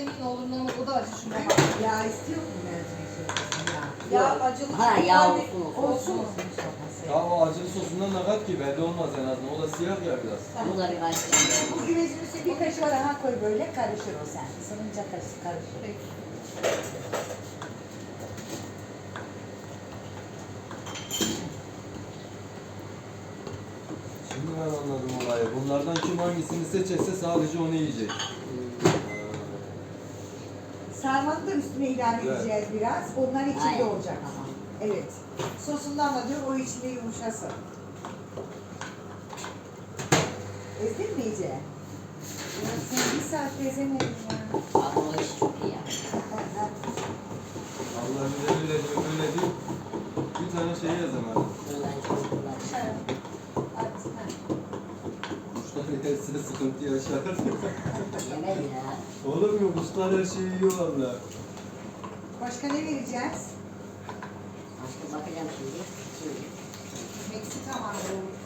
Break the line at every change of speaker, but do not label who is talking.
Meryem'in oğlundan o da acı şuna bak.
Ya istiyor mu mercimek çorbası? Ya.
Ya acılı.
Ha yağ olsun
Olsun.
olsun.
Ya o acılı sosundan ne kat ki belli olmaz en azından. O da siyah ya biraz.
Bu da bir karıştırıyor.
Bu güvecin üstüne bir kaşık daha koy böyle karışır o sen. Isınınca karışır.
Peki.
Şimdi ben anladım olayı. Bunlardan kim hangisini seçerse sadece onu yiyecek.
Sarmanı da üstüne ilave
Evet.
edeceğiz biraz. Onlar içinde
Aynen.
olacak ama. Evet. Sosundan da diyor o içinde yumuşasın. Ezdin mi iyice? Ya sen bir saat ezemedin ya.
Abi o iş çok iyi ya.
Allah bize öyle diyor, öyle diyor. Bir tane şey yazamadım.
Bunlar çok kolay.
Kuşlar yerse sıkıntı yaşar.
Yemez ya.
Olur mu? Kuşlar her şeyi yiyor valla.
Başka ne vereceğiz?
Başka bakacağım şimdi. Şimdi.
Meksika mandalı.